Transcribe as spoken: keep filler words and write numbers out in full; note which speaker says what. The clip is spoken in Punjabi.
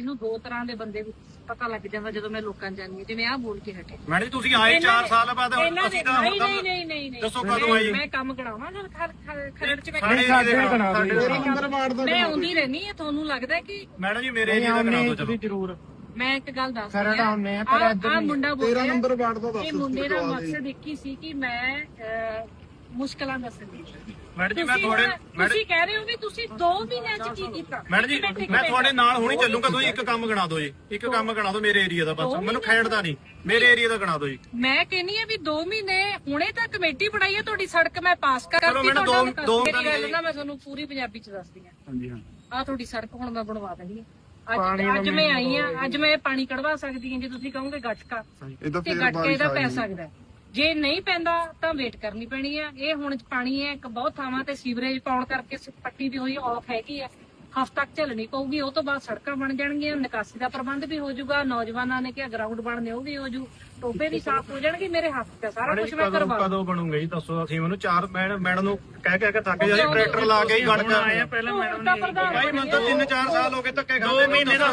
Speaker 1: ਮੈਨੂੰ ਦੋ ਤਰ੍ਹਾਂ ਦੇ ਬੰਦੇ ਪਤਾ ਲੱਗ ਜਾਂਦਾ ਜਦੋਂ ਮੈਂ ਲੋਕਾਂ ਜਾਂਦੀ ਹਾਂ, ਜਿਵੇਂ ਆਹ ਬੋਲ ਕੇ ਹਟੇ।
Speaker 2: ਮੈਡਮ ਜੀ ਤੁਸੀਂ ਆਏ ਚਾਰ ਸਾਲ ਬਾਅਦ ਅਸੀਂ ਤਾਂ
Speaker 1: ਨਹੀਂ ਨਹੀਂ ਨਹੀਂ ਨਹੀਂ ਨਹੀਂ
Speaker 2: ਦੱਸੋ ਕਦੋਂ ਆਈ?
Speaker 1: ਮੈਂ ਕੰਮ ਕਰਾਵਾਂ ਜਦ ਖਰੜ ਚ ਮੈਂ
Speaker 3: ਮੈਂ
Speaker 1: ਮੈਂ ਆਉਂਦੀ ਰਹਿਣੀ ਆ। ਤੁਹਾਨੂੰ ਲੱਗਦਾ ਕਿ
Speaker 2: ਮੈਡਮ ਜੀ ਮੇਰੇ ਏਰੀਆ ਦਾ ਕਰਾ ਦਿਓ ਚਲੋ
Speaker 3: ਜ਼ਰੂਰ
Speaker 1: ਮੈਂ ਇੱਕ ਗੱਲ ਦੱਸ
Speaker 3: ਖਰੜ ਆਉਂਦੇ ਆ, ਪਰ ਇੱਧਰ
Speaker 1: ਆ
Speaker 3: ਨਹੀਂ।
Speaker 1: ਮੁੰਡਾ ਬੋਲ
Speaker 4: ਤੇਰਾਂ ਨੰਬਰ ਵਾਰਡ ਦਾ ਦੱਸ
Speaker 1: ਇਹ ਮੁੰਡੇ ਦਾ ਮਕਸਦ ਇੱਕ ਹੀ ਸੀ ਕਿ ਮੈਂ ਅਹ, ਮੁਸ਼ਕਲਾਂ ਦੱਸਣੀ।
Speaker 2: ਮੈਡਮ ਜੀ ਮੈਂ
Speaker 1: ਤੁਸੀਂ
Speaker 2: ਤੁਹਾਡੇ
Speaker 1: ਹੁਣ- ਤੁਸੀਂ ਕਹਿ ਰਹੇ ਹੋ ਵੀ ਤੁਸੀਂ ਦੋ ਮਹੀਨਿਆਂ ਚ ਕੀ ਕੀਤਾ।
Speaker 2: ਮੈਡਮ ਜੀ ਮੈਂ ਤੁਹਾਡੇ ਨਾਲ ਹੁਣੀ ਚੱਲੂਗਾ। ਤੁਸੀਂ ਇੱਕ ਕੰਮ ਗਣਾ ਦਿਓ ਜੀ, ਇੱਕ ਕੰਮ ਗਣਾ ਦਿਓ ਮੇਰੇ ਏਰੀਆ ਦਾ, ਬਸ ਮੈਨੂੰ ਖੇਡਦਾ ਨਹੀਂ, ਮੇਰੇ ਏਰੀਆ ਦਾ ਗਣਾ ਦਿਓ ਜੀ।
Speaker 1: ਮੈਂ ਕਹਿੰਨੀ ਆ ਵੀ ਦੋ ਮਹੀਨੇ ਹੁਣੇ ਤਾਂ ਕਮੇਟੀ ਬਣਾਈ ਹੈ ਤੁਹਾਡੀ, ਸੜਕ ਮੈਂ ਪਾਸ ਕਰਤੀ।
Speaker 2: ਚਲੋ ਮੈਨੂੰ ਦੋ- ਦੋ
Speaker 1: ਮੇਰੀ ਗੱਲ ਨਾ ਮੈਂ ਤੁਹਾਨੂੰ ਪੂਰੀ ਪੰਜਾਬੀ ਚ ਦੱਸਦੀ ਆ।
Speaker 3: ਹਾਂਜੀ ਹਾਂ
Speaker 1: ਆ ਤੁਹਾਡੀ ਸੜਕ ਹੁਣ ਮੈਂ ਬਣਵਾ ਦੇਣੀ ਹੈ। ਅੱਜ ਅੱਜ ਮੈਂ ਆਈ ਆ, ਅੱਜ ਮੈਂ ਪਾਣੀ ਕਢਵਾ ਸਕਦੀ ਹਾਂ। ਜੇ ਤੁਸੀਂ ਕਹੋਗੇ ਗੱਟਕਾ
Speaker 4: ਇਹਦਾ
Speaker 1: ਤੇ
Speaker 4: ਫੇਰ
Speaker 1: ਗੱਟਕੇ ਇਹਦਾ ਪੈ
Speaker 4: ਬਾਰਿਸ਼
Speaker 1: ਸਕਦਾ। ਜੇ ਨਹੀਂ ਪੈਂਦਾ ਤਾਂ ਵੇਟ ਕਰਨੀ ਪੈਣੀ ਆ। ਇਹ ਹੁਣ ਪਾਣੀ ਹੈ ਇੱਕ ਬਹੁਤ ਥਾਵਾਂ ਤੇ ਸੀਵਰੇਜ ਪਾਉਣ ਕਰਕੇ ਪੱਟੀ ਦੀ ਹੋਈ ਆਫ ਹੈਗੀ ਆ, ਹਫ਼ਤਾ ਤੱਕ ਝੱਲਣੀ ਪਊਗੀ। ਉਹ ਤੋਂ ਬਾਅਦ ਸੜਕਾਂ ਬਣ ਜਾਣਗੀਆਂ, ਨਿਕਾਸੀ ਦਾ ਪ੍ਰਬੰਧ ਵੀ ਹੋ ਜਾਊਗਾ। ਨੌਜਵਾਨਾਂ ਨੇ ਕਿਹਾ ਗਰਾਊਂਡ ਬਣਨੇ ਉਹ ਵੀ ਹੋ ਜੂ, ਟੋਬੇ ਵੀ ਸਾਫ਼ ਹੋ ਜਾਣਗੇ। ਮੇਰੇ ਹੱਥ ਤੇ ਸਾਰਾ ਕੁਝ ਮੈਂ ਕਰਵਾ
Speaker 2: ਕਦੋਂ ਬਣੂਗਾ ਜੀ ਦੱਸੋ? ਅਸੀਂ ਉਹਨੂੰ ਚਾਰ ਮੈਡਮ ਨੂੰ ਕਹਿ ਕਹਿ ਕੇ ਥੱਕ ਜਾਈ, ਟਰੈਕਟਰ ਲਾ ਕੇ ਹੀ ਗੜ ਕੇ ਆਏ ਆ।
Speaker 1: ਪਹਿਲਾਂ ਮੈਡਮ ਨੇ
Speaker 2: ਭਾਈ ਮੈਨੂੰ ਤਾਂ ਤਿੰਨ ਚਾਰ ਸਾਲ ਹੋ ਗਏ ਧੱਕੇ ਖਾਂਦੇ।